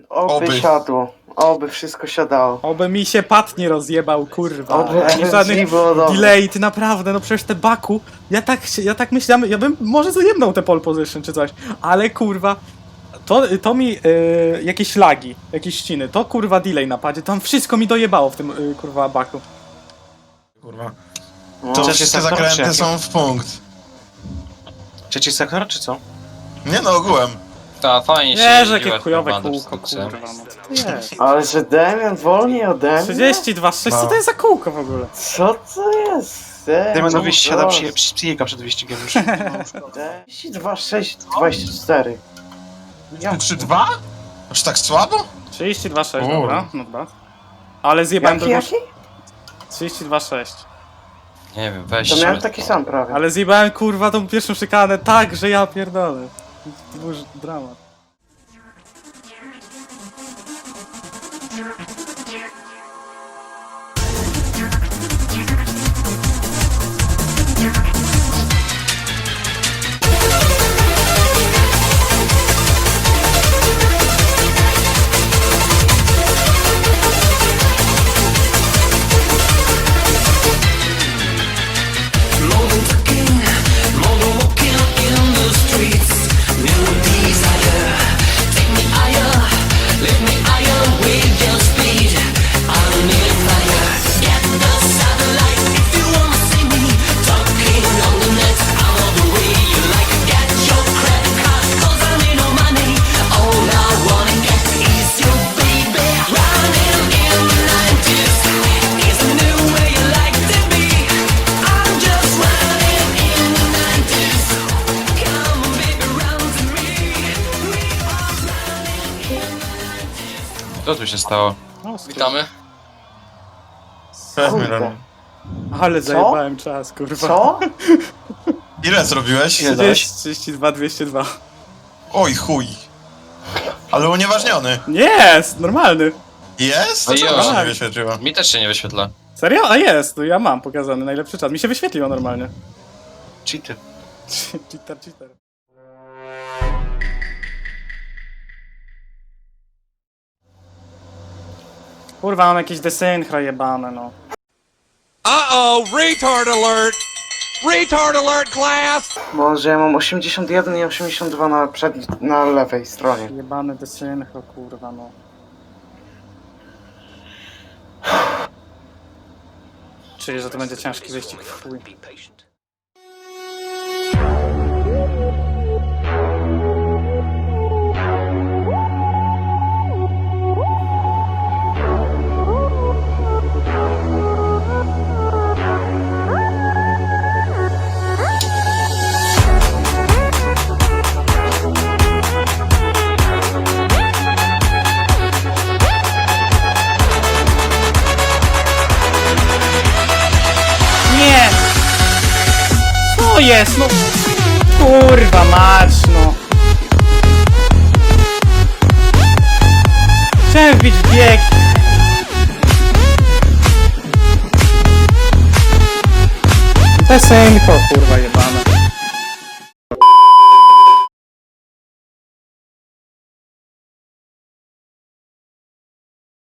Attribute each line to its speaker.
Speaker 1: Oby siadło. Oby wszystko siadało.
Speaker 2: Oby mi się pat nie rozjebał, kurwa.
Speaker 1: Oby
Speaker 2: Nie żadnych
Speaker 1: nie było dobrze.
Speaker 2: delay, ty naprawdę, no przecież te Baku, ja tak myślałem, ja bym może zajebnął te pole position czy coś, ale kurwa, to mi jakieś lagi, jakieś ściny, to kurwa delay na padzie, tam wszystko mi dojebało w tym kurwa Baku.
Speaker 3: Kurwa.
Speaker 1: No.
Speaker 3: To
Speaker 4: Trzeci
Speaker 3: wszystkie
Speaker 4: sektor, czy
Speaker 3: zakręty
Speaker 4: jaki?
Speaker 3: są w punkt.
Speaker 4: Trzeci sektor, czy co?
Speaker 3: Nie no, ogółem.
Speaker 5: Ta, fajnie się
Speaker 2: Nie, że jakie
Speaker 5: jeździła
Speaker 2: chujowe
Speaker 5: tym bandem
Speaker 2: kółko,
Speaker 5: z tym
Speaker 2: kurwa, no co to jest?
Speaker 1: Ale że Damian wolniej ode mnie?
Speaker 2: 32,6, co to jest za kółko w ogóle?
Speaker 1: Co to jest?
Speaker 4: Damianowi siada przyjega przed wyścigiem już.
Speaker 1: 32,6, 24. Ja
Speaker 3: 3-2? Aż tak słabo?
Speaker 2: 32,6,
Speaker 3: Kurwa.
Speaker 2: dobra, not bad. Ale zjebałem
Speaker 1: Jaki,
Speaker 2: drugą...
Speaker 1: jaki?
Speaker 2: 32,6.
Speaker 5: Nie wiem, weź.
Speaker 1: To miałem taki sam prawie.
Speaker 2: Ale zjebałem kurwa tą pierwszą szykanę tak, że ja pierdolę. To był już dramat.
Speaker 5: Co tu się stało?
Speaker 2: No,
Speaker 5: Witamy.
Speaker 1: Kurde.
Speaker 2: ale zajebałem czas, kurwa.
Speaker 1: Co?
Speaker 3: Ile zrobiłeś?
Speaker 2: 32, 202.
Speaker 3: Oj chuj. Ale unieważniony.
Speaker 2: Nie, jest, normalny.
Speaker 3: Jest?
Speaker 5: No
Speaker 3: Dlaczego
Speaker 5: jo.
Speaker 3: się nie wyświetliło?
Speaker 5: Mi też się nie wyświetla.
Speaker 2: Serio? A jest, to ja mam pokazany najlepszy czas. Mi się wyświetliło normalnie.
Speaker 4: Cheaty.
Speaker 2: Cheater. Kurwa, mam jakieś desynchro jebane, no.
Speaker 6: Uh-oh, retard alert! Retard alert, class!
Speaker 1: Może ja mam 81 i 82 na lewej stronie.
Speaker 2: Jebane desynchro, kurwa, no. Czuję, że to będzie ciężki wyścig w chuj. Nie! Co jest, no? Kurwa mać, no. Chciałem wbić w bieg. Desynchro, kurwa jebane.